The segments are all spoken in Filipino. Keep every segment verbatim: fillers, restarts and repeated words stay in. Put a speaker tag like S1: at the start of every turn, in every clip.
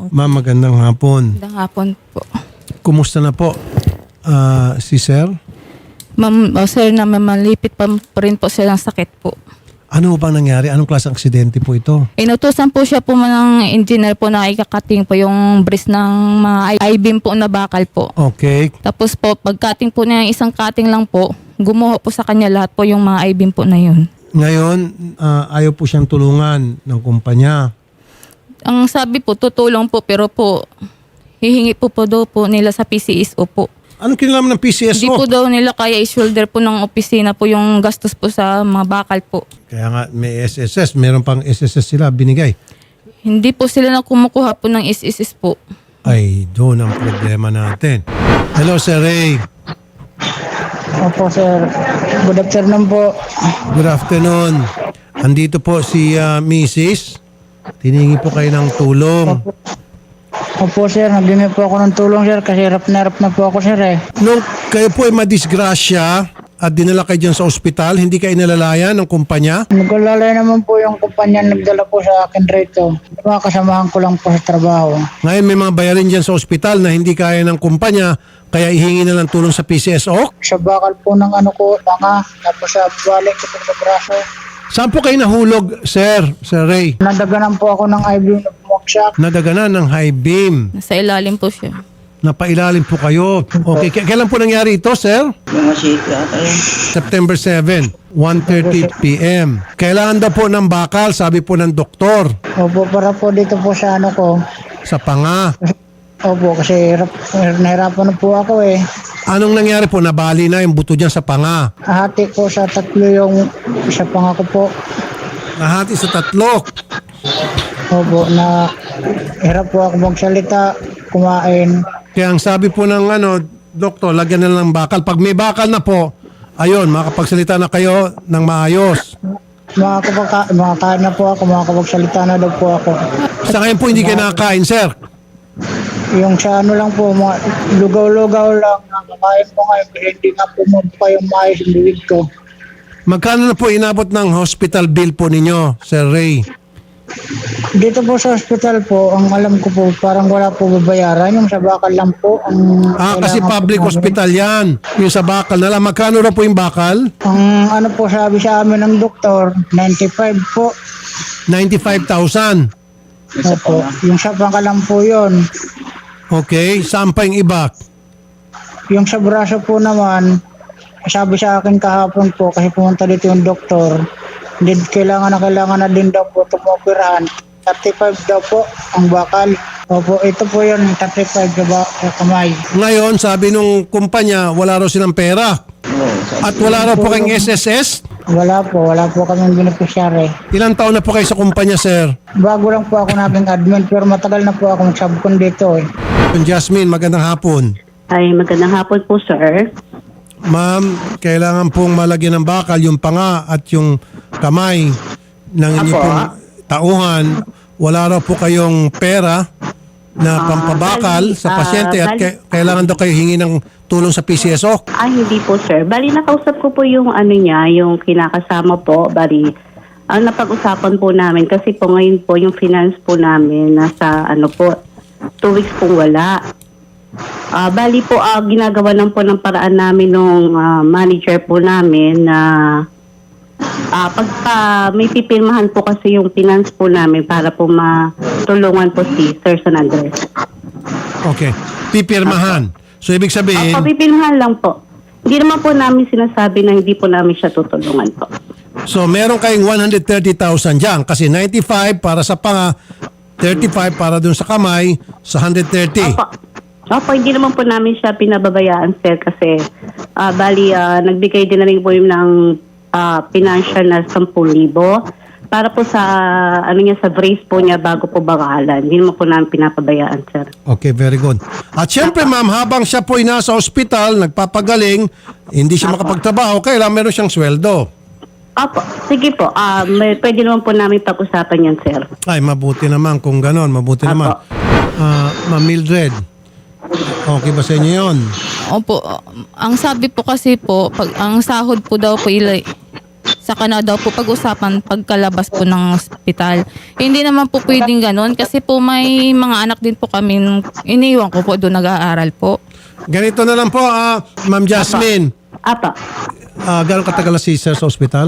S1: Ma'am, magandang hapon.
S2: Magandang hapon po.
S1: Kumusta na po ah, si Sir?
S2: Ma'am, oh, sir, na malipit pa, pa rin po siya ng sakit po.
S1: Ano bang nangyari? Anong klaseng aksidente po ito?
S2: Inutusan po siya po ng engineer po na ikakating po yung bris ng mga I-beam po na bakal po.
S1: Okay.
S2: Tapos po, pag-cutting po niya, isang cutting lang po, gumuho po sa kanya lahat po yung mga I-beam po na yun.
S1: Ngayon, ah, ayaw po siyang tulungan ng kumpanya.
S2: Ang sabi po, tutulong po, pero po, hihingi po po daw po nila sa P C S O po.
S1: Anong kinalaman ng P C S O?
S2: Hindi po daw nila kaya i-shoulder po ng opisina po yung gastos po sa mga bakal po.
S1: Kaya nga may S S S, meron pang S S S sila binigay.
S2: Hindi po sila na kumukuha po ng S S S po.
S1: Ay, doon ang problema natin. Hello, Sir Ray.
S3: Opo, sir. Good afternoon po.
S1: Good afternoon. Andito po si ah, Missus Tiningi po kayo ng tulong.
S3: Opo, sir. Nabimi po ako ng tulong, sir, kasi hirap na hirap na po ako, sir, eh.
S1: Nung kayo po ay madisgrasya at dinala kayo dyan sa ospital, hindi kayo nalalayan ng kumpanya?
S3: Nagkalalay naman po yung kumpanya nagdala po sa akin rito. Mga kasamahan ko lang po sa trabaho.
S1: Ngayon may mga bayarin dyan sa ospital na hindi kaya ng kumpanya, kaya ihingi na lang tulong sa P C S O?
S3: Sa bakal po ng ano ko, tanga, tapos sa balik ko po sa braso.
S1: Saan po kayo nahulog, Sir? Sir Ray?
S3: Nadaganan po ako ng I V na bumagsak.
S1: Nadaganan ng high beam.
S2: Nasa ilalim po siya.
S1: Napailalim po kayo. Okay, k- kailan po nangyari ito, Sir? September seventh, one thirty p m Kailangan daw po ng bakal, sabi po ng doktor,
S3: Opo, para po dito po sa ano ko.
S1: sa panga.
S3: Opo, kasi hirap, nahirapan na po ako, eh.
S1: Anong nangyari po? Nabali na yung buto dyan sa panga.
S3: Ahati ko sa tatlo yung isa pa nga ko po.
S1: Nahati sa tatlo.
S3: Opo, na hirap po ako magsalita, kumain.
S1: Kaya ang sabi po ng ano, doktor, lagyan na lang ng bakal. Pag may bakal na po, ayun, makapagsalita na kayo ng maayos.
S3: Makakapagka, makakain na po ako, makakapagsalita na daw po ako.
S1: Sa ngayon po hindi kayo nakakain, sir.
S3: Yung sa ano lang po, mga lugaw-lugaw lang, nakakain po ngayon, kasi hindi nga po pa yung maayos yung bibig ko.
S1: Magkano na po inabot ng hospital bill po ninyo, Sir Ray?
S3: Dito po sa hospital po, ang alam ko po, parang wala po babayaran, yung sa bakal lang po. Ang
S1: Ah, kasi
S3: kailangan
S1: public
S3: po namin.
S1: hospital yan. Yung sa bakal na lang. Magkano na po yung bakal?
S3: Ang ano po sabi sa amin ng doktor, ninety-five po.
S1: ninety-five thousand.
S3: Opo, yung sa pangka lang po yun.
S1: Okay. Saan pa yung iba?
S3: Yung sa braso po naman, sabi sa akin kahapon po, kasi pumunta dito yung doktor, hindi kailangan na kailangan na din daw po tumoperahan. thirty-five daw po ang bakal. Opo, ito po yun, thirty-five na ba sa kamay.
S1: Ngayon, sabi nung kumpanya, wala raw silang pera. At wala raw po kayong S S S?
S3: Wala po, wala po kaming beneficiary.
S1: Ilang taon na po kayo sa kumpanya, sir?
S3: Bago lang po ako naging admin, pero matagal na po ako magsabkon dito, eh.
S1: Jasmine, magandang hapon.
S4: Ay, magandang hapon po, sir.
S1: Ma'am, kailangan pong malagyan ng bakal yung panga at yung kamay ng inyong
S4: Apo.
S1: pong tauhan. Wala raw po kayong pera na pampabakal
S4: bali,
S1: sa
S4: ah,
S1: pasyente at
S4: bali-
S1: kay- kailangan daw kayo hingi ng tulong sa P C S O.
S4: Ay, hindi po, sir. Bali, nakausap ko po yung ano niya, yung kinakasama po. Bali, ang napag-usapan po namin, kasi po ngayon po yung finance po namin nasa ano po, two weeks po wala. Ah, bali po, ah, ginagawa lang po ng paraan namin nung ah, manager po namin na ah, pagka may pipirmahan po kasi yung finance po namin para po matulungan po si Sir San Andres.
S1: Okay. Pipirmahan. So, ibig sabihin,
S4: Opo, pipirmahan lang po. Hindi naman po namin sinasabi na hindi po namin siya tutulungan po.
S1: so meron kayong one hundred thirty thousand dyan kasi ninety-five para sa panga, thirty-five para dun sa kamay, sa one hundred thirty.
S4: Opo. Opo, hindi naman po namin siya pinababayaan, sir, kasi ah, bali, ah, nagbigay din na rin po yung ng ah, financial na ten thousand para po sa, ano niya, sa brace po niya bago po bakalan. Hindi naman po namin pinapabayaan, sir.
S1: Okay, very good. At syempre, ma'am, habang siya po'y nasa ospital, nagpapagaling, hindi siya makapagtrabaho, kailangan meron siyang sweldo.
S4: Opo, sige po. Ah, may, pwede naman po namin pag-usapan yan, sir.
S1: Ay, mabuti naman kung ganon. Mabuti
S4: Apo.
S1: naman. Ah, Ma'am Mildred, okay ba sa inyo yun?
S2: Opo, ang sabi po kasi po, pag ang sahod po daw po ilay, Saka na daw po pag-usapan pagkalabas po ng ospital. Hindi naman po pwedeng ganun kasi po may mga anak din po kami. Iniwan ko po doon nag-aaral po.
S1: Ganito na lang po, ah, Ma'am Jasmine.
S4: Apa.
S1: Ah, gano'ng katagal na si sir sa ospital?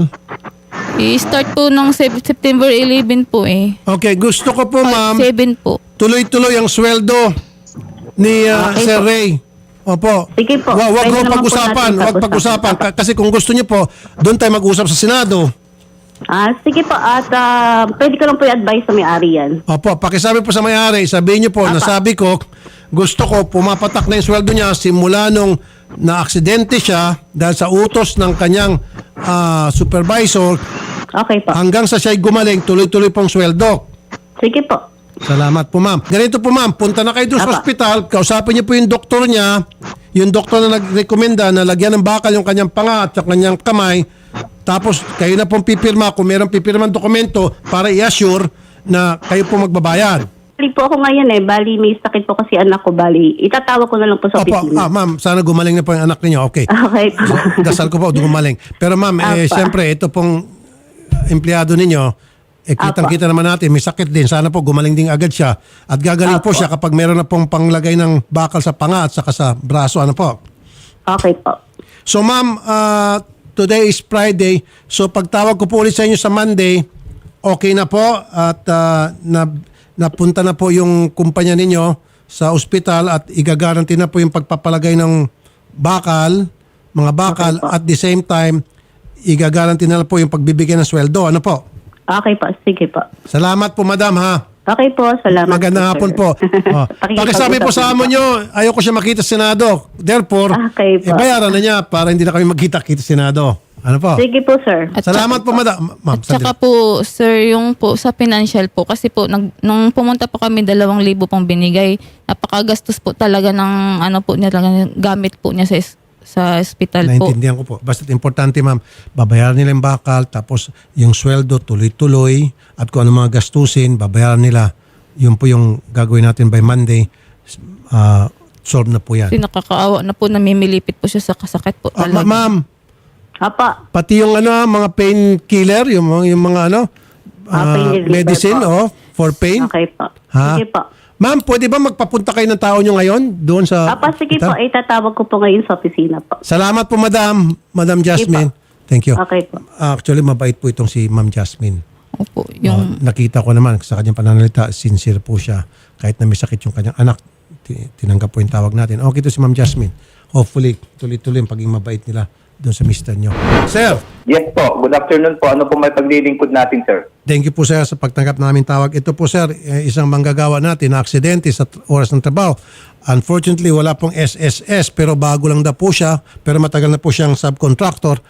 S2: I-start po ng Sep- September eleven po eh.
S1: Okay, gusto ko po, ma'am,
S2: seven po.
S1: tuloy-tuloy ang sweldo ni ah,
S4: Okay
S1: Sir
S4: po.
S1: Ray. Opo.
S4: Sige po.
S1: Wa- Wag
S4: Pwede
S1: ho
S4: naman po
S1: pag-usapan,
S4: natin
S1: wag pag-usapan. Ka- Kasi kung gusto niyo po, doon tayo mag-usap sa Senado.
S4: Ah, sige po. At ah, pwede ko lang po i-advise sa may-ari yan.
S1: Opo, pakisabi po sa may-ari, sabihin niyo po, nasabi ko, gusto ko pumapatak na yung sweldo niya simula nung na-aksidente siya dahil sa utos ng kanyang ah, supervisor
S4: Okay po.
S1: hanggang sa siya'y gumaling, tuloy-tuloy pong sweldo.
S4: Sige po.
S1: Salamat po, ma'am. Ganito po, ma'am. Punta na kayo doon sa
S4: Apa.
S1: ospital. Kausapin niyo po yung doktor niya. Yung doktor na nag-recommenda na lagyan ng bakal yung kanyang panga at yung kanyang kamay. Tapos, kayo na pong pipirma kung mayroong pipirman dokumento para i-assure na kayo po magbabayad.
S4: Bali po ako ngayon eh. Bali, may sakit po kasi anak ko. Bali, itatawag ko na lang po sa
S1: Opo,
S4: opisina.
S1: ah, ma'am, sana gumaling na po yung anak niyo. Okay.
S4: Okay po.
S1: Dasal ko po, gumaling. Pero ma'am, eh,
S4: Apa.
S1: siyempre, ito pong empleyado ninyo, eh, kitang-kita naman natin, may sakit din. Sana po gumaling din agad siya. At gagaling po
S4: Apa.
S1: siya kapag meron na pong panglagay ng bakal sa panga at saka sa braso. Ano po?
S4: Okay po.
S1: So ma'am, uh, today is Friday. So pagtawag ko po ulit sa inyo sa Monday, okay na po at uh, na, napunta na po yung kumpanya ninyo sa ospital at igagaranti na po yung pagpapalagay ng bakal, mga bakal,
S4: Okay po.
S1: at the same time, igagaranti na po yung pagbibigay ng sweldo. Ano po?
S4: Okay po. Sige po.
S1: Salamat po, madam, ha?
S4: Okay po. Salamat
S1: Magandang
S4: po,
S1: hapon
S4: sir.
S1: po. Oh. Pakisabi po sa amo nyo, ayoko siya makita sa Senado. Therefore,
S4: Okay po.
S1: eh, bayaran na niya para hindi na kami magkita-kita sa Senado. Ano po?
S4: Sige po, sir.
S2: At
S1: Salamat po, madam. Ma'am,
S2: At saka
S1: sandali.
S2: po, sir, yung po sa financial po, kasi po, nag, nung pumunta po kami, dalawang libo pong binigay. Napakagastos po talaga ng, ano po niya, talaga, gamit po niya sa, is- sa hospital po.
S1: Naintindihan ko po. Basta importante, ma'am, babayaran nila yung bakal, tapos yung sweldo tuloy-tuloy, at kung ano mga gastusin, babayaran nila. Yun po yung gagawin natin by Monday. Uh, solve na po yan.
S2: Kasi nakakaawa na po, namimilipit po siya sa kasakit po
S1: Ah,
S2: talaga.
S1: ma- ma'am,
S4: Apa.
S1: pati yung ano, mga painkiller, yung, mga- yung mga ano,
S4: Ah,
S1: ah,
S4: pain reliever
S1: medicine,
S4: po.
S1: oh, for pain.
S4: Okay po.
S1: Ha?
S4: Sige po.
S1: Ma'am, pwede ba magpapunta kayo ng tao nyo ngayon doon sa...
S4: Apa, sige po.
S1: hospital?
S4: Itatawag ko po ngayon sa opisina po.
S1: Salamat po, madam. Madam Jasmine. Thank you.
S4: Okay po.
S1: Actually, mabait po itong si Ma'am Jasmine.
S2: Opo,
S1: Oh,
S2: yung,
S1: nakita ko naman sa kanyang pananalita, sincere po siya. Kahit na may sakit yung kanyang anak, ti- tinanggap po yung tawag natin. Okay to si Ma'am Jasmine. Hopefully, tuloy-tuloy ang pagiging mabait nila doon sa mister nyo. Sir,
S5: Yes po. Good afternoon po. Ano po may paglilingkod natin, sir?
S1: thank you po sir sa pagtanggap namin tawag. Ito po sir, eh, isang manggagawa natin na aksidente sa t- oras ng trabaho. Unfortunately, wala pong S S S pero bago lang daw po siya, pero matagal na po siyang subcontractor.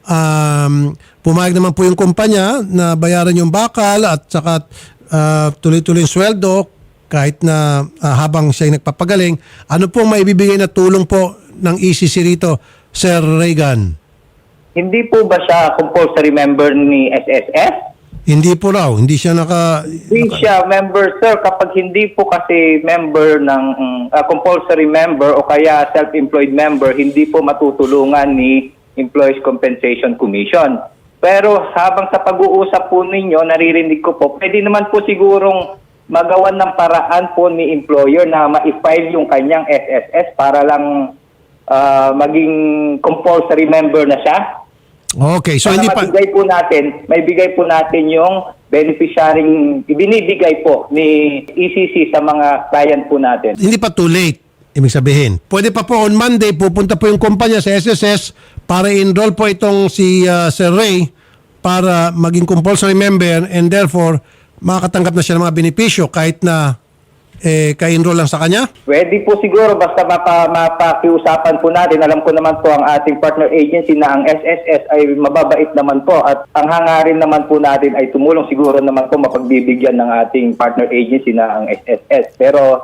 S1: Um, pumayag naman po yung kumpanya na bayaran yung bakal at saka ah, tuloy-tuloy yung sweldo kahit na ah, habang siya nagpapagaling. Ano po maibibigay na tulong po ng E C C rito, Sir Reagan?
S5: Hindi po ba siya compulsory member ni S S S?
S1: Hindi po raw, hindi siya naka...
S5: Hindi siya member, sir. Kapag hindi po kasi member ng mm, ah, compulsory member o kaya self-employed member, hindi po matutulungan ni Employees Compensation Commission. Pero habang sa pag-uusap po ninyo, naririnig ko po, pwede naman po sigurong magawan ng paraan po ni employer na ma-file yung kanyang S S S para lang ah, maging compulsory member na siya.
S1: Okay, so
S5: Para
S1: hindi pa...
S5: mabigay po natin, may bigay po natin yung beneficiarying ibinibigay po ni E C C sa mga client po natin.
S1: Hindi pa too late, ibig sabihin. Pwede pa po on Monday, pupunta po yung kumpanya sa S S S para enroll po itong si uh, Sir Ray para maging compulsory member and therefore makakatanggap na siya ng mga benepisyo kahit na eh, ka-enroll lang sa kanya.
S5: Pwede po siguro basta mapa, mapakiusapan po natin. Alam ko naman po ang ating partner agency na ang S S S ay mababait naman po at ang hangarin naman po natin ay tumulong siguro naman po mapagbibigyan ng ating partner agency na ang S S S. Pero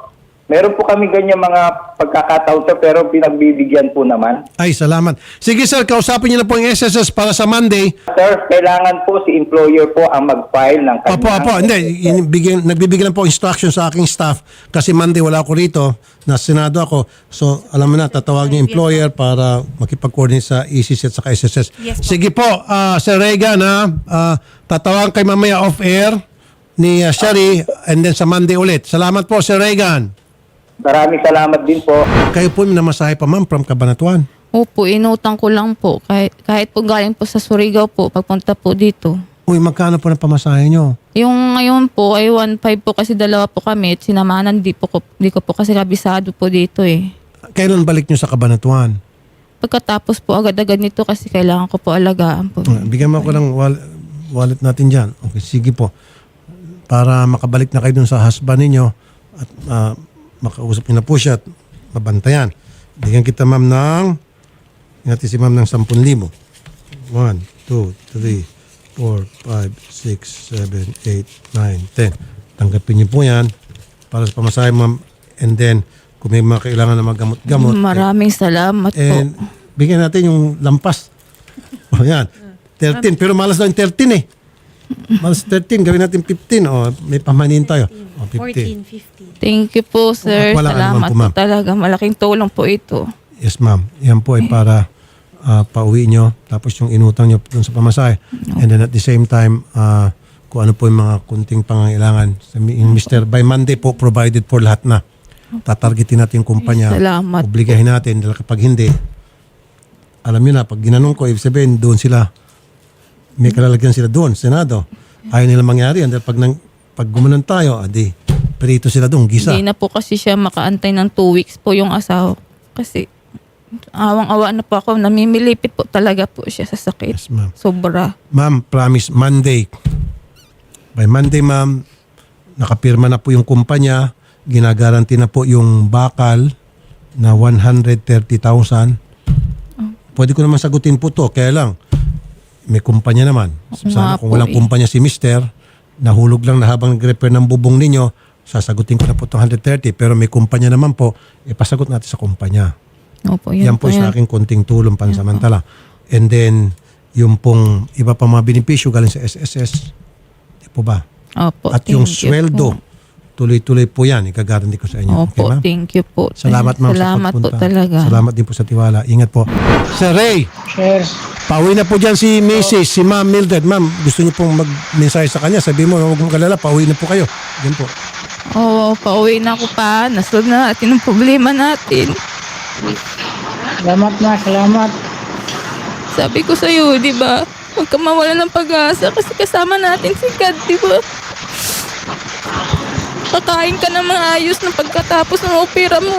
S5: Meron po kami ganyan mga pagkakataon, sir, pero pinagbibigyan po naman.
S1: Ay, salamat. Sige sir, kausapin niyo na po yung S S S para sa Monday.
S5: Sir, kailangan po si employer po ang mag-file ng
S1: Opo,
S5: kanyang...
S1: opo. Hindi, bigyan, nagbibigyan lang po instruction sa aking staff kasi Monday wala ako rito, na Senado ako. So, alam mo na, tatawag niyo yung employer para makipag-coordinate sa E C C at sa S S S. Sige po, ah, Sir Reagan, ha, ah, tatawagan kay mamaya off-air ni uh, Sherry and then sa Monday ulit. Salamat po, Sir Reagan.
S5: Maraming salamat din po.
S1: Kayo po may namasahe pa ma'am from Cabanatuan.
S2: Opo, inutang ko lang po. Kahit, kahit po galing po sa Surigao po, pagpunta po dito.
S1: Uy, magkano po na pamasahe nyo?
S2: Yung ngayon po ay one five po kasi dalawa po kami at sinamanan di, po, ko- di ko po kasi kabisado po dito eh.
S1: Kailan balik nyo sa Cabanatuan?
S2: Pagkatapos po agad-agad nito kasi kailangan ko po alagaan po.
S1: Uh, Bigyan mo ako ng wal- wallet natin dyan. Okay, sige po. Para makabalik na kayo dun sa husband ninyo at uh, makausap niyo na po siya at mabantayan. Bigyan kita ma'am ng natin si ma'am ng ten thousand. one, two, three, four, five, six, seven, eight, nine, ten. Tanggapin niyo po yan para sa pamasahe ma'am. And then, kung may mga kailangan na maggamot-gamot.
S2: Maraming salamat po.
S1: And bigyan natin yung lampas. O yan. thirteen. Pero malas lang yung thirteen eh. Malas thirteen. Gawin natin fifteen. O may pamanin tayo. O fifteen.
S6: fourteen, fifteen.
S2: Thank you po, sir.
S1: Walang anuman
S2: Salamat
S1: po,
S2: po,
S1: ma'am.
S2: talaga. Malaking tulong po ito.
S1: Yes ma'am. Yan po ay para ah, pauwi nyo. Tapos yung inutang nyo dun sa pamasahe. And then at the same time, ah, kung ano po yung mga kunting pangangailangan. Yung mister by Monday po, provided for lahat na. Tatargetin natin yung kumpanya.
S2: Salamat
S1: Obligahin natin. Dahil kapag hindi, alam nyo na, pag ginanong ko, ibig sabihin, doon sila, may kalalagyan sila doon, Senado. Ayaw nila mangyari yan. Dahil pag, nang, pag gumanon tayo, adi, perito sila doon, gisa.
S2: Hindi na po kasi siya makaantay ng two weeks po yung asawa. Kasi awang-awa na po ako. Namimilipit po talaga po siya sa sakit.
S1: Yes, ma'am.
S2: Sobra.
S1: Ma'am, promise, Monday. By Monday, ma'am, nakapirma na po yung kumpanya, ginagaranti na po yung bakal na one hundred thirty thousand. Pwede ko naman sagutin po to, kaya lang, may kumpanya naman. Sana
S2: Nga
S1: kung
S2: po
S1: walang
S2: eh.
S1: kumpanya si mister, nahulog lang na habang nag-repair ng bubong ninyo, sasagutin ko na po itong one hundred thirty, pero may kumpanya naman po, ipasagot natin sa kumpanya.
S2: Opo,
S1: Yan po sa aking konting tulong pansamantala. And then, yung pong iba pa mga benepisyo galing sa S S S, di po ba?
S2: Opo,
S1: At
S2: thank
S1: yung
S2: you
S1: sweldo,
S2: po.
S1: tuloy-tuloy po yan. Ikagaranti ko sa inyo.
S2: Opo,
S1: okay, ma'am?
S2: thank you po.
S1: Salamat, ma'am,
S2: Salamat
S1: sa
S2: po
S1: pagpunta.
S2: talaga.
S1: Salamat din po sa tiwala. Ingat po. Sir Ray,
S3: Sir,
S1: pauwi na po dyan si Missus si Ma'am Mildred. Ma'am, gusto niyo pong mag-mensahe sa kanya. Sabi mo, huwag mong kalala, pauwi na po kayo. Yan po.
S2: Oo, pauwi na ako pa. Nasolve na natin ang problema natin.
S3: salamat na, salamat.
S2: Sabi ko sa'yo, di ba? Huwag ka mawala ng pag-asa kasi kasama natin si God, di ba? Kakain ka na maayos na pagkatapos ng opera mo.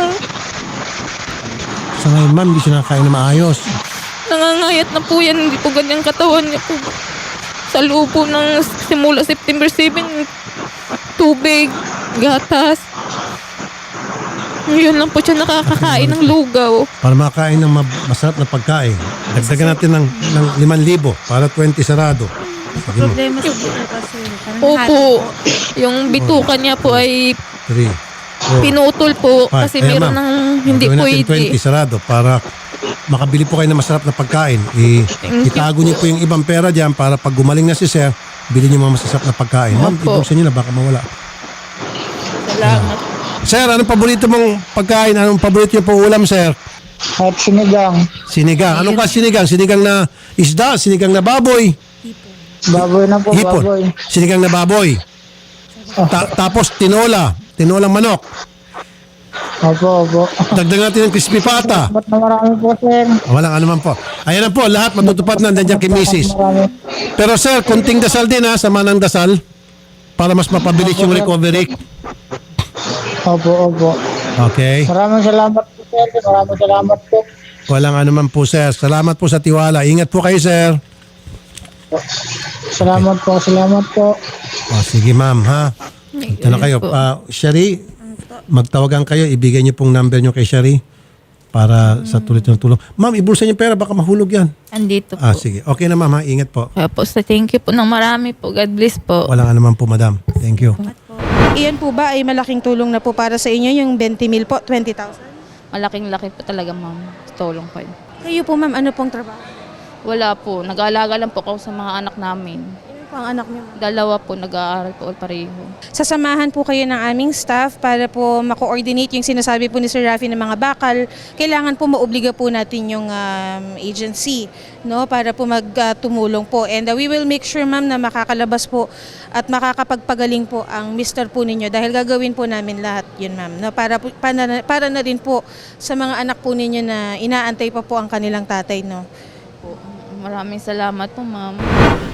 S1: Sa ngayon, ma'am, hindi siya nakakain na maayos.
S2: Nangangayat na po yan. Hindi po ganyang katawan niya po. Sa loob po ng simula September seventh, tubig, gatas. Ngayon lang po siya nakakakain ng lugaw.
S1: Para makakain ng ma- masarap na pagkain. Dagdagan natin ng, ng limang libo para twenty sarado. Sige mo.
S6: Problema sa buto kasi. Parang
S2: Opo, yung bituka niya po ay
S1: Three. four,
S2: pinutol po
S1: five.
S2: kasi
S1: Ayan,
S2: meron
S1: ma'am.
S2: ng hindi
S1: Gagawin natin
S2: pwede.
S1: twenty sarado para makabili po kayo ng masarap na pagkain. I,
S2: Thank you
S1: itago niyo po yung ibang pera dyan para pag gumaling na si Sir, bilhin niyo mga masasarap na pagkain. Ma'am,
S2: Opo.
S1: ibuksan niyo na baka mawala.
S2: Salamat.
S1: Sir, anong paborito mong pagkain? Anong paborito niyo po ulam, Sir?
S3: At sinigang,
S1: Sinigang. Anong ka sinigang? Sinigang na isda? Sinigang na baboy?
S3: baboy na po,
S1: Hipon.
S3: baboy.
S1: Sinigang na baboy. Ta- tapos tinola. Tinolang manok.
S3: Opo, opo.
S1: Dagdag natin ng crispy pata.
S3: Salamat na marami po, sir.
S1: Walang ano man po. Ayan na po, lahat matutupad na nandiyan kay Missus
S3: Marami.
S1: Pero sir, kunting dasal din ha, sama ng dasal para mas mapabilis yung recovery.
S3: Opo, opo.
S1: Okay.
S3: Maraming salamat po, sir. Maraming salamat po.
S1: Walang ano man po, sir. Salamat po sa tiwala. Ingat po kayo, sir.
S3: Salamat po, salamat po.
S1: O, sige, ma'am, ha? Ito na kayo. Uh, Sherry, magtawagan kayo. Ibigay niyo pong number niyo kay Sherry para sa tuloy ng tulong. Ma'am, ibulsa niyo pera. Baka mahulog yan.
S2: Andito po.
S1: Ah, sige. Okay na, ma'am, ha? Ingat po.
S2: Kaya po, sa thank you po ng marami po. God bless po.
S1: Walang ano man po, madam. Thank you.
S6: Iyan po ba ay malaking tulong na po para sa inyo, yung twenty mil po, twenty thousand?
S2: Malaking laki po talaga, ma'am. Tulong po yun.
S6: Kayo po ma'am, ano pong trabaho?
S2: Wala po. Nag-aalaga lang po ako sa mga anak namin.
S6: Ano po ang anak niyo ma'am?
S2: Dalawa po nag-aaral po pareho.
S6: Sasamahan po kayo ng aming staff para po ma-coordinate yung sinasabi po ni Sir Rafi ng mga bakal. Kailangan po maobliga po natin yung um, agency, no, para po magtumulong po. And uh, we will make sure ma'am na makakalabas po at makakapagpagaling po ang mister po ninyo dahil gagawin po namin lahat yun ma'am. No, para, po- para, para na rin po sa mga anak po ninyo na inaantay pa po ang kanilang tatay. No.
S2: Po. Maraming salamat po, ma'am.